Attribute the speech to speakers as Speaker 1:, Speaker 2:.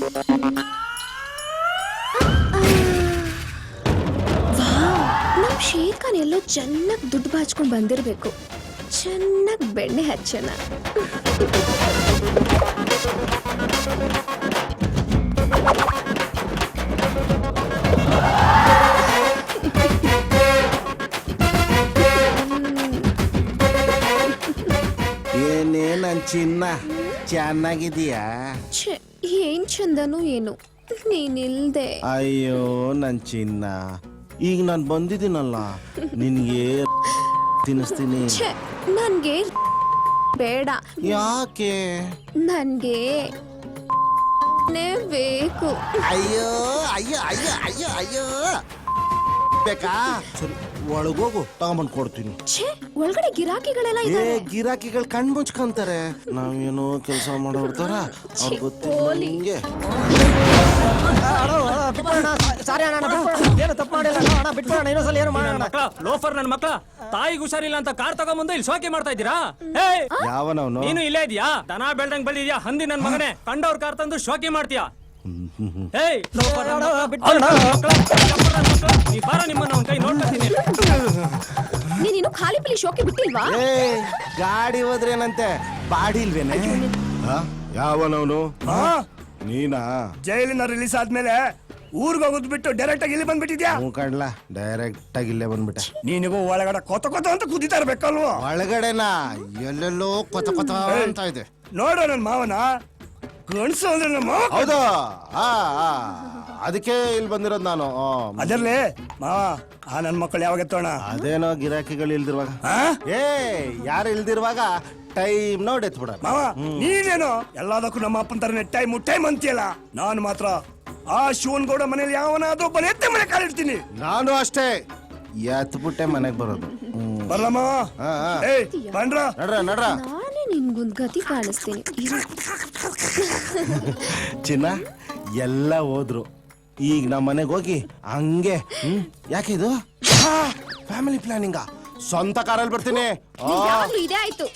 Speaker 1: ನಮ್ ಶೇರ್ ಖಾನ್ ಎಲ್ಲೋ ಚೆನ್ನಾಗಿ ದುಡ್ಡು ಬಾಚ್ಕೊಂಡ್ ಬಂದಿರ್ಬೇಕು. ಚೆನ್ನಾಗಿ ಬೆಣ್ಣೆ ಹಚ್ಚೋಣ.
Speaker 2: ಏನೇ ನನ್ ಚಿನ್ನ ಚೆನ್ನಾಗಿದೀಯಾ?
Speaker 1: ಏನ್ ಚಂದನು ಏನು ನೀನಿಲ್ದೆ.
Speaker 2: ಅಯ್ಯೋ ನನ್ ಚಿನ್ನ, ಈಗ ನಾನ್ ಬಂದಿದ್ದೀನಲ್ಲ ನಿನ್ಗೆ ತಿನ್ನಿಸ್ತೀನಿ.
Speaker 1: ನನ್ಗೆ ಬೇಡ.
Speaker 2: ಯಾಕೆ?
Speaker 1: ನನ್ಗೆ ಬೇಕು.
Speaker 2: ಅಯ್ಯೋ ಅಯ್ಯೋ ಅಯ್ಯೋ ಅಯ್ಯೋ ಅಯ್ಯೋ ಬೇಕಾ? ಸರಿ ಒಳಗೋಗು, ತಗೊಂಬಂದ್ ಕೊಡ್ತೀನಿ.
Speaker 1: ಒಳಗಡೆ ಗಿರಾಕಿಗಳೆಲ್ಲ
Speaker 2: ಏ
Speaker 1: ಇದ್ದಾರೆ.
Speaker 2: ಗಿರಾಕಿಗಳು ಕಣ್ ಮುಚ್ಕೊಂತಾರೆ. ನಾವೇನೋ ಕೆಲಸ ಮಾಡೋರ್ತಾರ ಅವ್ರ ಗೊತ್ತಿಲ್ಲ ನಿಂಗೆ.
Speaker 3: ಲೋಫರ್ ನನ್ ಮಕ್ಳ, ತಾಯಿಗೆ ಹುಷಾರಿಲ್ಲ ಅಂತ ಕಾರ್ ತಗೊಂಬಂದು ಇಲ್ಲಿ ಶೋಕಿ ಮಾಡ್ತಾ ಇದ್ದೀರಾ?
Speaker 2: ಯಾವನವನು?
Speaker 3: ನೀನು ಇಲ್ಲೇ ಇದೀಯಾ? ದನ ಬೆಳ್ದಂಗ್ ಬೆಳ್ದಿದ್ಯಾ ಹಂದಿ ನನ್ ಮಗನೇ. ಕಂಡವ್ರ ಕಾರ್ ತಂದು ಶೋಕಿ ಮಾಡ್ತೀಯಾ?
Speaker 1: ನೀನು ಖಾಲಿ ಪಿಲಿ ಶೋಕಿ ಬಿಟ್ಟಿಲ್ವಾ?
Speaker 2: ಏ ಗಾಡಿ ಹೋದ್ರೇನಂತೆ, ಬಾಡಿ ಇಲ್ವೇನೆ? ಯಾವನವನು? ನೀನಾ?
Speaker 4: ಜೈಲಿನ ರಿಲೀಸ್ ಆದ್ಮೇಲೆ ಊರ್ಗ್ ಹೋಗೋದ್ ಬಿಟ್ಟು ಡೈರೆಕ್ಟ್ ಆಗಿ ಇಲ್ಲಿ ಬಂದ್ಬಿಟ್ಟಿದ್ಯಾ?
Speaker 2: ಕಡ್ಲ ಡೈರೆಕ್ಟ್ ಆಗಿ ಇಲ್ಲೇ ಬಂದ್ಬಿಟ್ಟೆ.
Speaker 4: ನೀನಿಗೂ ಒಳಗಡೆ ಕೊತ ಕೊತ ಅಂತ ಕುದಿತಾ ಇರ್ಬೇಕಲ್ವ?
Speaker 2: ಒಳಗಡೆನಾ ಎಲ್ಲೆಲ್ಲೋ ಕೊತ ಕೊತ ಅಂತ ಇದೆ.
Speaker 4: ನೋಡ ನನ್ ಮಾವನ ಗಣಸು ಅಂದ್ರೆ ನಮ್ಮ ಮಾವ.
Speaker 2: ಹೌದು, ಅದಕ್ಕೆ ಇಲ್ಲಿ ಬಂದಿರೋದು ನಾನು.
Speaker 4: ಅದರ್ಲಿ ಮಾವ, ಆ ನನ್ ಮಕ್ಕಳು ಯಾವಾಗ ಎತ್ತೋಣ?
Speaker 2: ಅದೇನೋ ಗಿರಾಕಿಗಳು ಇಲ್ದಿರುವಾಗ. ಏ ಯಾರು ಇಲ್ದಿರುವಾಗ ಟೈಮ್ ನೋಡಿ ಎತ್ಬಿಡ.
Speaker 4: ಮಾವ ನೀನೇನೋ ಎಲ್ಲದಕ್ಕೂ ನಮ್ಮ ಅಪ್ಪನ ತರನೇ ಟೈಮ್ ಅಂತೀಯಲ್ಲ. ನಾನು ಮಾತ್ರ ಆ ಶಿವನ್ಗೌಡ ಮನೇಲಿ ಯಾವನಾದ್ರೂ ಒಬ್ಬನ ಎತ್ತೆ ಮನೆ ಕಾಲಿಡ್ತೀನಿ.
Speaker 2: ನಾನು ಅಷ್ಟೇ ಎತ್ಬಿಟ್ಟೆ ಮನೆಗ್ ಬರೋದು.
Speaker 4: ಬರ್ಲ ಮಾವ? ಬನ್ರ
Speaker 2: ನಡ್ರ ನಡ್ರ.
Speaker 1: ನಾನೇ ನಿನ್ಗೊಂದ್ ಗತಿ ಕಾಣಿಸ್ತೀನಿ.
Speaker 2: ಚಿನ್ನ ಎಲ್ಲ ಹೋದ್ರು, ಈಗ ನಮ್ಮ ಮನೆಗೆ ಹೋಗಿ ಹಂಗೆ ಯಾಕೆ ಇದು ಫ್ಯಾಮಿಲಿ ಪ್ಲಾನಿಂಗ? ಸ್ವಂತ ಕಾರಲ್ಲಿ ಬರ್ತೀನಿ.
Speaker 1: ಇದೇ ಆಯ್ತು.